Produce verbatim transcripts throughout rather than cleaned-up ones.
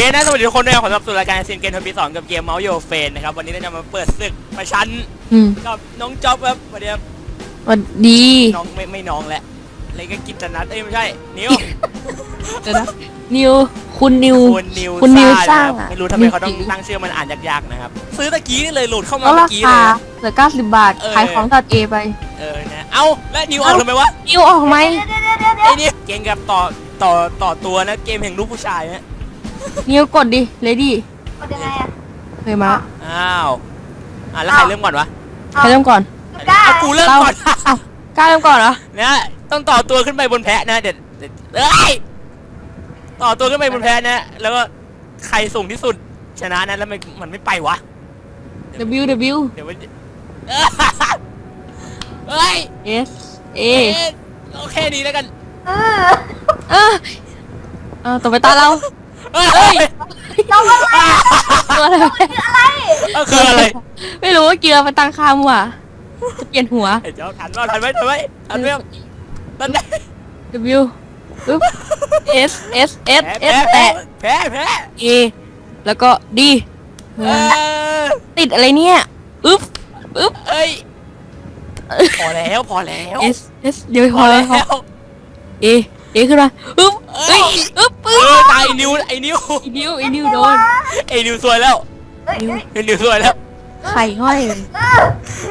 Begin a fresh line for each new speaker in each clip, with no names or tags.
นะสวัสดีทุกคนด้วยขอต้อนรับสู่รายการซีนเกมทวีสองกับเกมเมาส์โยเฟนนะครับวันนี้เราจะมาเปิดศึกประชันกับน้องจ๊อบครับวันนี้ครับ
วันดี
น้องไม่ไม่น้องแหละอะไรก็กินแต่นัดเอ้ยไม่ใช่นิว
เดี๋ยวนะนิวคุณนิว
คุณนิว
คุณนิว
ซ่า
สร้าง
นะครับ
อะ
ไม่รู้ทำไมเขาต้อง
นิว
ตั้งชื่อมันอ่านยากๆนะครับซื้อตะกี้นี่เลยโหลดเข้ามา
ก็
เมื่
รา
อกี้
คา
เลย
เหลือเก้าสิบบาท
เออ
ขายของตัดเอไป
เออนะเอ้าแล้วนิวออกทำไมวะ
นิวออกไหม
ไอ้นี่เกมกับต่อต่อต่อตัวนะเกมแห่งลูกผู้ชายนะ
นิวกดดิเลดี้
กดยังไงอ่ะ
เคยมา
อ้าวอ่ะแล้วใครเริ่มก่อนวะ
ใครเริ่มก่อน
กล้า
เอากูเริ่มก่อน
อ้าวกล้าเริ่มก่อนเหรอ
นะต้องต่อตัวขึ้นไปบนแพะนะเดี๋ยวเดี๋ยวเอ้ยต่อตัวขึ้นไปบนแพะนะแล้วก็ใครสูงที่สุดชนะนะแล้วมันมันไม่ไปวะ
W W
เดี๋ยวมันเอ้ยเอ้ย
S A
เอ๊ะโอเคดีแล้วกัน
เออ
เออเออต่อไปตาเรา
เอ้ย
เราอะไร
ตัวอะไร
อะไร
เออคืออะไร
ไม่รู้ว่าเกียร์มันตั้งค่ามั่วจะเปลี่ยนหัว
ไอ้เจ้าทันว่าทันไหมทันไหมทันไหมทันไหม
W ปึ๊บ S S S
แพ้
S
แพ้
แตะ
แพ้แพ้
A แล้วก็ D
เออ
ติดอะไรเนี่ยอึ๊บอึ๊บ
เอ้ยพอแล้วพอแล้ว
S S เดี๋ยว
พ
พ
อ
อ
แล้
แล้ว
ว
A A ขึ้นมาอึ๊บ
เอ้
เอ้
ย
ยอึ๊บ
เอ
อึ๊บ
อตายนิวไอ้นิว
อีนิวอีนิวโดน
ไอ้นิวซวยแล้ว
เอ้ยเอ้ย
ไอ้นิวซวยแล้ว
ไข่ห้อยเลย
เออ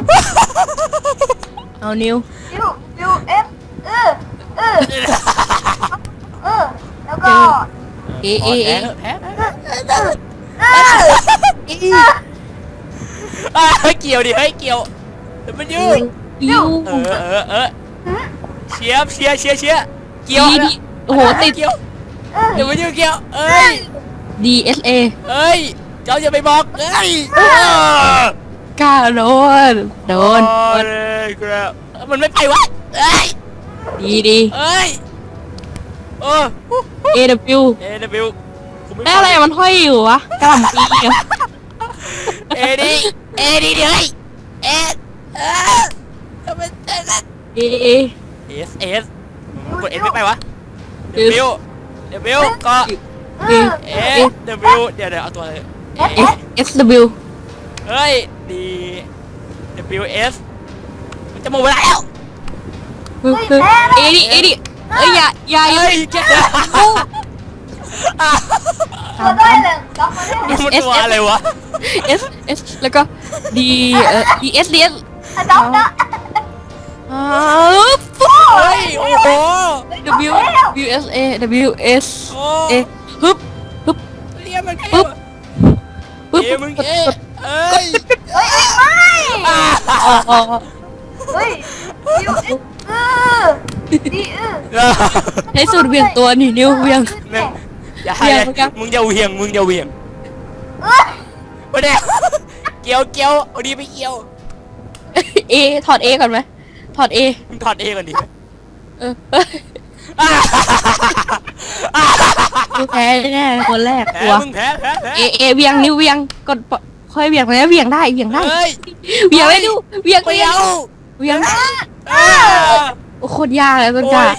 เอานิว
ยูยูเอฟเออเออเออแล้วก็
A A A
แพ้แพ้
เออ
E
เฮ้ยเกี่ยวดิเฮ้ยเกี่ยวเดี๋ยวมันยืด
U
เออเออเออเชียร์เชียร์เชียร์เชียร์เกี่ยว
D D โอ้โหติด
เกี่ยว
เออ
เดี๋ยวมันยืดเกี่ยวเอ้ย
D S A
เอ้ยเจ้าอย่าไปบอกเอ้ย
กล้าโดนโดน
โอ้ยครับมันไม่ไปวะเอ้ย
ดีดี
เอ้ยเออ
A W
เอวิว
ได้อะไรมันห้อยอยู่วะกระหล่ำปีเหรอ
เอดีเอดีเดี๋ยวเฮ้ยเอเออทำไมเอ
A A
สเอสกดเอสไม่ไปวะเดวิวเดวิวก็
เออ
เอสเดวิวเดี๋ยวเดี๋ยวเอาตัวเลย
S S W
เฮ้ยดี W S มันจะหมดเวลาแล้ว
ปึ๊บปึ๊บ A ดิ A ดิเอ้ยอย่าอย่าอย่า
เฮ้ยแก
ตัวด้วยเลยล็อกมาได้
มันตัวอะไรวะ
S S แล้วก็ D เอ่อ D S D S
อะด็อกนะ
อ้าวปุ๊บ
เฮ้ยโอ้โห
W W S A W S
โอ้
A ฮึบฮึบ
เรียกมันแค่
ปึ๊บปึ๊บ
เอมึงเอเอ้ย
เฮ้ยไม่
อ๋ออ๋อ
เฮ้ยยูเอฟเออดีเออ
ใช้สูตรเบี่ยงตัวนี่นิ้วเบี่ยง
อย่า
เบี่ยงเหมือนกัน
มึงอย่าเหวี่ยงมึงอย่าเหวี่ยง
เออ
ไม่ได้เกี่ยวเกี่ยวเอาดีไปเกี่ยว
A ถอด A ก่อนไหมถอด A
มึงถอดเอก่อนดิ
เออกูแพ้แน่คนแรก
แพ้
กลัว
มึงแพ้แพ้แพ้
A A เบี่ยงนิ้วเบี่ยงกดปะค่อยเบี่ยงนะเบี่ยงได้เบี่ยงได้
เฮ้ย
เบี่ยงได้ดูเบี่ยง
ไม่
เบี่ยง
เอา
เบี่ยง
เออ
โอ้โคตรยากเลยต้น
โอ้
กาย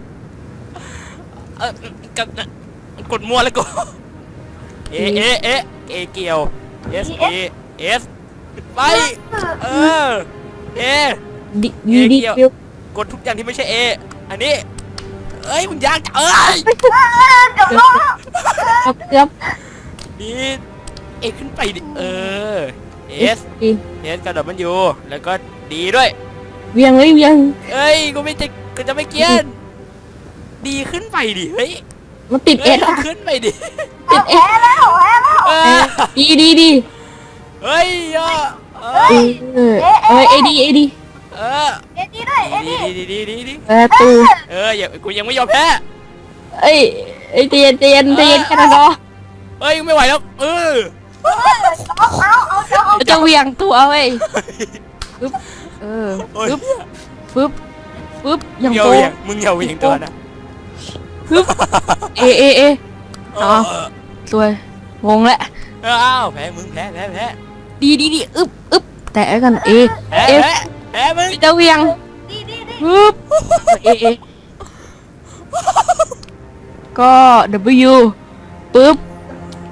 เออกับกดมั่วแล้วกูเอเอเอเอเกี่ยว S E S ไปเออเอ
ดีดีดีฟิว
กดทุกอย่างที่ไม่ใช่ A อันนี้เอ้ยมึงยากจังเอ้ย
เกือบล้มแล้ว
ครับเกือบ
ดีเอขึ้นไปดิเออ S
ดี
S กระโดดมันอยู่แล้วก็ดีด้วย
เบี่ยงเลยเบี่ยง
เอ้ยกูไม่จะกูจะไม่เกลียนดีขึ้นไปดิเฮ้ย
มันติดเอ
เอ้ย
สอะ
ขึ้นไปดิ
ติดเอ
แพ้แล้วแพ้แล้ว
เออ
ดีดีดี
เฮ้ยอ่ะเอ
เอ
อ
อเออเอดีเอดี
เออ
เอ็ดดีด้วยเอ็ด
ดี
ดี
ดีดีดีดี
ประตู
เอออย่ากูยังไม่ยอมแพ้
เอ้ยเอ้ยเตียนเตียนเตียนแค่นั้นก็
เฮ้ยไม่ไหวแล้วเออ
เอาเอาเอาเอาเอา
จะเวียงตัวเว้ยปึ๊บเออ
โอ้ย
ปึ๊บปึ๊บปึ๊บอย่าง
อย่า
โก
เหวี่ยงมึงอย่าเหวี่ยงตัวนะ
ปึ๊บเอเอเอ
เอ
อ๋อ
อ
สวยงงแล้ว
เอออ้าวแพ้มึงแพ้แพ้แพ้
ดีดีดีอึบอึบแต่กันเอ
แพ้
เอ
แพ้แพ้มึง
จะเวียง
ดีดีดี
ปึ๊บเอเอก็ W ปึ๊บ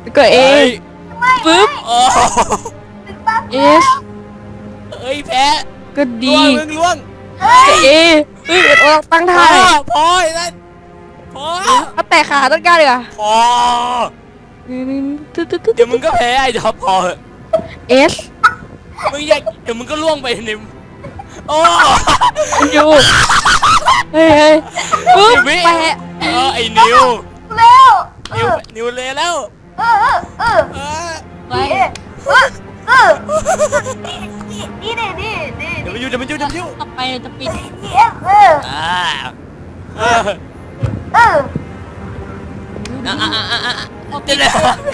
แล้วก็ A
เฮ้ย
ปึ๊บ
โอ้
ถึงปั๊บ
S
เอ้ยแพ้
ก็ D
ล่วงมึงล่วง
เฮ้ย
A เฮ้ยเราตั้ง
พ
ท่า
อพอไอ้นั่นพอ
เอาแตะขาต้นกล้าเลยอ่ะ
พอ
ตึ๊ดตึ๊ดตึ๊ด
เดี๋ยวมึงก็แพ้ไอ้จ๊อบพอเหอะ
S
มึงอยากเดี๋ยวมึงก็ล่วงไปในโอ้
มันอยู่เฮ้ยเฮ้ยปึ๊บ
สิบวิ
แปะ
เออไอ้นิว
เร็วเอ
นิว
อ
นิวเลยแล้ว
เออเออเออ
เออ
ไป
เออเออเออนี่นี่นี่นี่นี่
เดี๋ยวมันอยู่เดี๋ยวมันอยู่เดี๋ยวมันอยู่
ต่อไปจะปิด
นี่เอฟเออ
อ่าเออ
เออ
อ่ะอ่ะอ่ะอ่ะอ่ะเดี๋ยวเดี๋ยว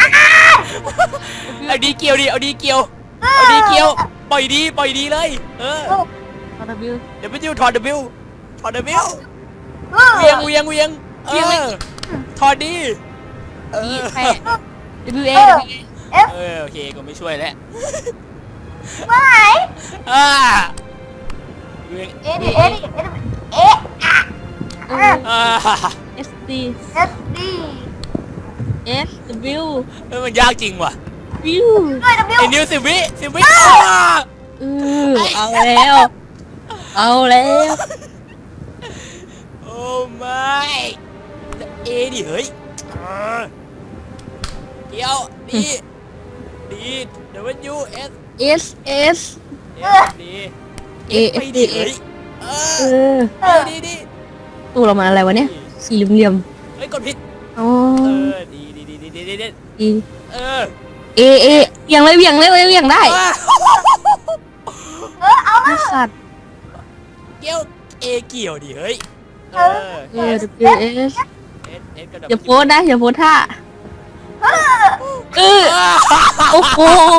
เอาดีเกี่ยวดิเอาดีเกี่ยวเอาดีเกี่ยวปล่อยดีปล่อยดีเลยเออ
ตอนบิว
เดี๋ยวมันอยู่ถอดเดบิวถอดเดบิว
เออ
เวียงเวียงเวียงเออถอดดีเอ
อี
อ
แปะ W A W A
เอฟ
เออโอเคก็ไม่ช่วยแล้ว
เมื่อไหร่
อ่าเวียง
เอดิเอดิเอดิเออะ
เอ
อ่า
อ S D
เอสดี
S W
เออมันยากจริงว่ะ
View
ด้วยดับเบิล
ไอ้นิวสิบวิสิบวิ
เออเอาแล้ว เอาแล้ว
โอ้ไม่เอดิเฮ้ยอ่าเกี่ยวดีดีเดี๋ยวมันยูเอส
S S
เอสดี
A
ไป
F
ดิ
D
เฮ้ยเอ
เอ
อ
อ
ดีดีดี
ตู้เรามาอะไรวะเนี่ย สี่เหลี่ยม
เฮ้ยกดผิด
ๆอ๋อ
เออดีดีดีดีดีดีดี
ดี
เออ
A A เบี่ยงเลยเบี่ยงเลยเบี่ยงได้
ว้าว
เออเอา
ไอ้
มา
สัตว์
เกี่ยวเอเกี่ยวดิเฮ้ยเออ
เออ W S
เอสเอสกระด
อย่าโพสนะอย่าโพสท่า
เออ
เออโอ้โห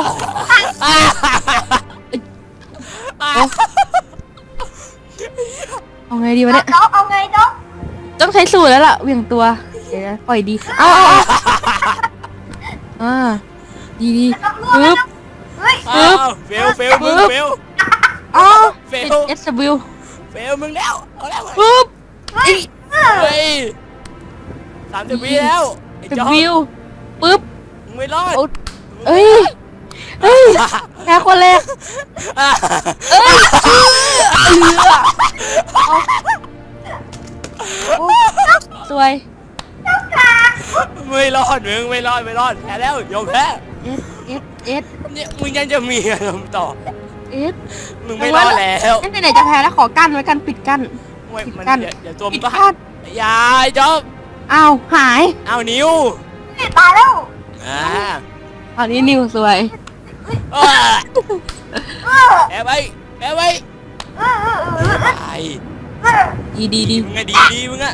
เอาไงดีวะเนี่ย
น้องเอาไงน้อง
ต้องใช้สูตรแล้วล่ะเหวี่ยงตัวเดี๋ยวนะปล่อยดี เอาเอาเอาอ่าดีดี
น้องรู้
ปึ๊บ
เฮ้ย
อ้าวเฟลเฟลมึงเฟล
อ๋อ
เฟล
เป็น S W
เฟลมึงแล้วเอาแล้ว
ปึ๊บ
เฮ้ยเออ
เฮ้ยสามสิบวิแล้วไอ้จอ
W ปึ๊บ
มึงไม่รอด
โอ้เอ้ยเฮ้ยแพ้คนแรกเอ้ยเหลือโอ้สวย
ไม่รอดมึงไม่รอดไม่รอดแพ้แล้วยอมแพ้
S S S
เนี่ยมึงยังจะมีอารมณ์ต่อ
S
มึงไม่รอดแล้ว
ไหนๆจะแพ้แล้วขอกั้นไว้กันปิดกั้น
ไม่มัน
กั้น
เดี๋ยวเดี๋ยวตัวมึ
ปิ
ง
ด
ก็
กั้น
อย่าไอ้จอบ
อ้าวหาย
เอานิ้ว
ตายแล้ว
อ่า
ตอนนี้นิวสวย
เออ
เออ
แพ้ไปแพ้ไป
เออเออเออ
ไป
เออ
ดีดีดี
มึงอะดีดีมึงอะ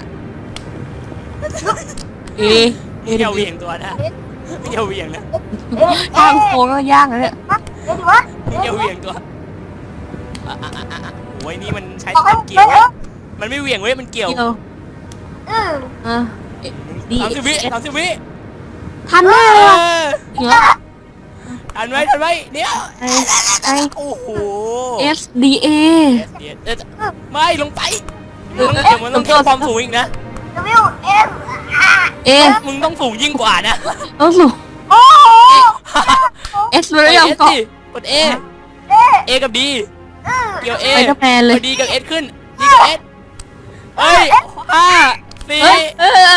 เอ
มึงอย่าเหวี่ยงตัวนะมึงอย่าเหวี่ยงนะ
ทางโค้งก็ยากนะเนี่ย
เดี๋ยวดูวะ
มึงอย่าเหวี่ยงตัวอ่ะอ่ะอ่ะอ่ะโอ้ยนี่มันใช้
บอกให้
มันเกี่ยวเว้ยมันไม่เหวี่ยงเว้ยมันเกี่ยว
เดียว
เออ
อ่ะดี
สามสิบวิสามสิบวิ
ทันแน่
เอ
เลยว่ะ
อ
เหนือ
ทันไหมทันไหมเดี๋ยว
ไอไอ
โอ้โห
S D A
เดี๋ยวเดี๋ยวไม่ลงไปมึงต้องเดี๋ยวมันต้องเพิ่มความสูงอีกนะ
W S R
เอ
มึงต้องสูงยิ่งกว่านะ
ต้องสูง
โอ้โห
S ไม่ได้ยอม
กด
เกาะ
ดิกด A
เอ๊ะ
A กับ D
เออ
เกี่ยว A
ไปกับแมนเลย
อา D กับ S ขึ้น D กับ S เฮ้ยห้าสี่
เฮ้ยเออ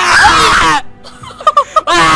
อ่า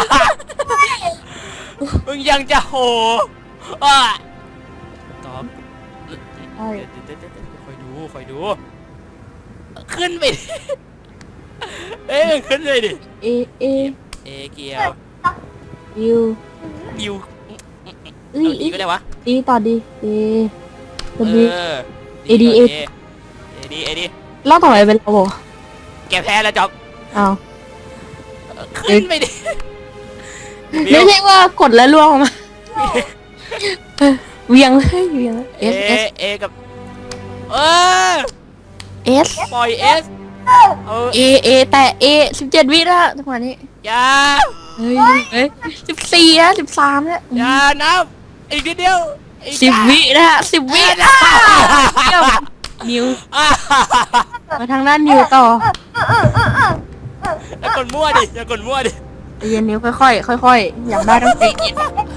มึงยังจะโหอ่าตอบคอยดูคอยดู ขึ้นไปดิเอ้ยขึ้นเลยดิ
เอเอ
เอเกียว
U
ยู
เอ้ย
เอาดีก็ได้วะ
ดีต่อดี A
เอ
W
อ
A D A
เอดีเอดี
เล่าต่อไปเป็นเราบอก
แกแพ้แล้วจ๊อบ
อ้าว
ขึ้นไปดิ
ไม่ใช่ว่ากดแล้วล่วงออกมาเออเวียงเลยเวียง
เอ
S S
เอกับเออ
S
ปล่อย S เออ
A A แต่ A สิบเจ็ดวิแล้วจังหวะนี้
อย่า
เฮ้ยเฮ้ยสิบสี่แล้วสิบสามแล้ว
อย่านับอีกนิดเดียวอีก
สิบวินะฮะสิบวินะนิว
อ่า
มาทางด้านนิวต่อ
เออเออเออเออ
อย่ากดมั่วดิอย่ากดมั่วดิ
ใจเย็นนิ้วค่อยๆค่อยๆอยากได้ต้องใจเย็น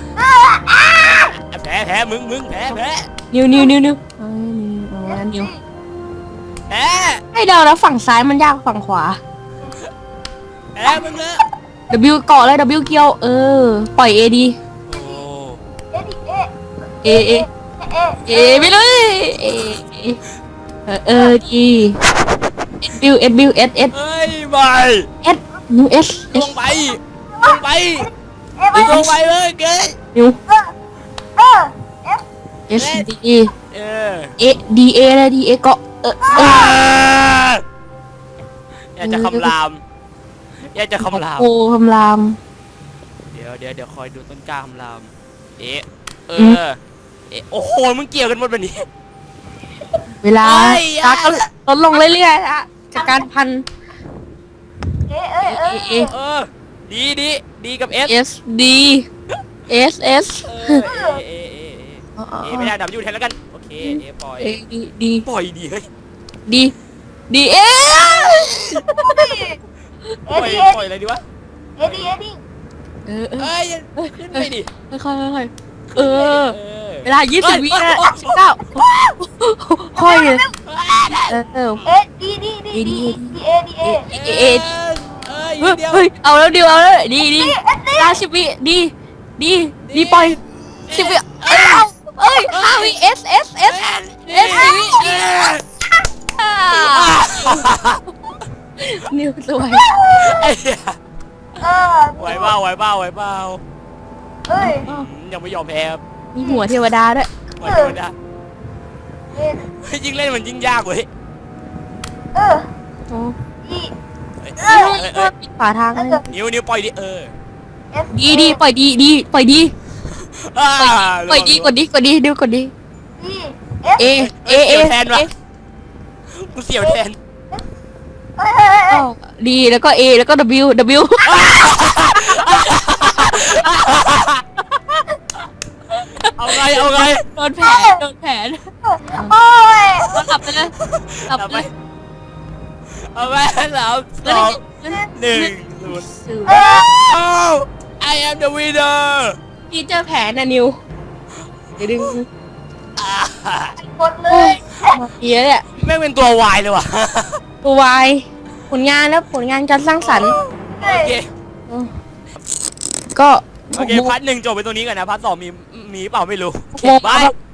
แพ้แพ้มึงมึงแพ้แพ้
นิ้วนิ้วนิ้วนิ้วเอ้ยนิ้วเอางั้นนิ้ว
แพ้
ให้เดาแล้วฝั่งซ้ายมันยากกว่าฝั่งขวา
แพ้มึงเลย
W เกาะเลย W เกี่ยวเออปล่อย A ดี
โอ้
เอ็ดดิเอ็ด
A A
เอ็ด
A ไปเลย A A เออเออดี S B S B S S
เฮ้ยไป
S นิ้ว S
ล
S
งไปลงไป
เอ็ดไป
ลงไปเลยเกย
นิ้ว
เออเอฟ
S D
เออ
A D A เลย D A เกาะเออเออ
อยากจะคำรามอยากจะคำราม
โอ้คำราม
เดี๋ยวเดี๋ยวเดี๋ยวคอยดูต้นกล้าคำรามเอ๊ะเอ
อืม
อเอ๊ะโอ้โหมึงเกี่ยวกันหมดแบบนี้
เวลา
เอ้ย
ตาก็ลดลงเรื่อยๆนะจากการพัน
เอ้ยเอ้ยเอ้ย
A
เออดีดีดีกับเอส
S D S S
เออเอเอเอเอเอไม่ได้ดับยูแทนแล้วกันโอเคเอปล่อย
A D D
ปล่อยดีเฮ้ย
D D A
เอ็
ป
ด
ล่อย
ดิเอ็ด
ปล่อยอะไรดีวะ
เอ็ดดิเอ็ดดิ
เออเออ
เอ้ยขึ้นไปดิ
ค่อยๆค่อยๆเออ
เออ
เวลายี่สิบวินะสิบเก้าค่อยเลยเออเออ
เอ็ดดีดีดีดีดีเอดีเอ
เอเอ
เอ้ย
เฮ้ย
เดียว
เฮ้ยเอาแล้วดิวเอาแล้วดีดีลาสิบวิดีดีดีปล่อยสิบวิเอ้ยเอาเอ้ยห้าวิ S S S S สี่วินิวสวย
ไอ้เหี้ย
เออ
ไหวเปล่าไหวเปล่าไหวเปล่า
เอ้ย
อืมยังไม่ยอมแพ้ครับ
มีหัวเทวดาด้วย
ไหวไม่ได้
เอ็ด
เฮ้ยยิ่งเล่นมันยิ่งยากเว้ย
เออ
โอ้
ดี
เอ้ย
เอ้
เอ้
ย
ยเอ้ย
ปิดฝาทางเลย
นิ้วนิ้วปล่อยดิเออ
เอส
ดีดีปล่อยดีดีปล่อยดี
อ่า
ปล่อยดีกดดีกดดีดิวกดดี
ดีเอส
A A A
แทนวะกูเสียวแทน
เอ้ยเอ้ยเอ้ย
ดีแล้วก็ A แล้วก็ W W
เอาไงเอาไง
โดนแผนโดนแผน
โอ้ย
ก็กลับไปเลยกลับ
เอา
ไป
ไปเอาไปสามสองหนึ่งศูนย์
สื่อ
เอ้ย
Oh I am the winner
พี่เจอแผนนะนิวเดี๋ยวดึง
หมดเลย
มาเยอะเนี่ย
แม่งเป็นตัววายเลยว่ะ
ตัววายผลงานแล้วผลงานการสร้างสรรค์
เอ้
โอย เค
ก็
โอเคพาร์ทหนึ่งจบไปตรงนี้ก่อนนะพาร์ทสองมีมีเปล่าไม่รู้โอเค
โม
บาย
บ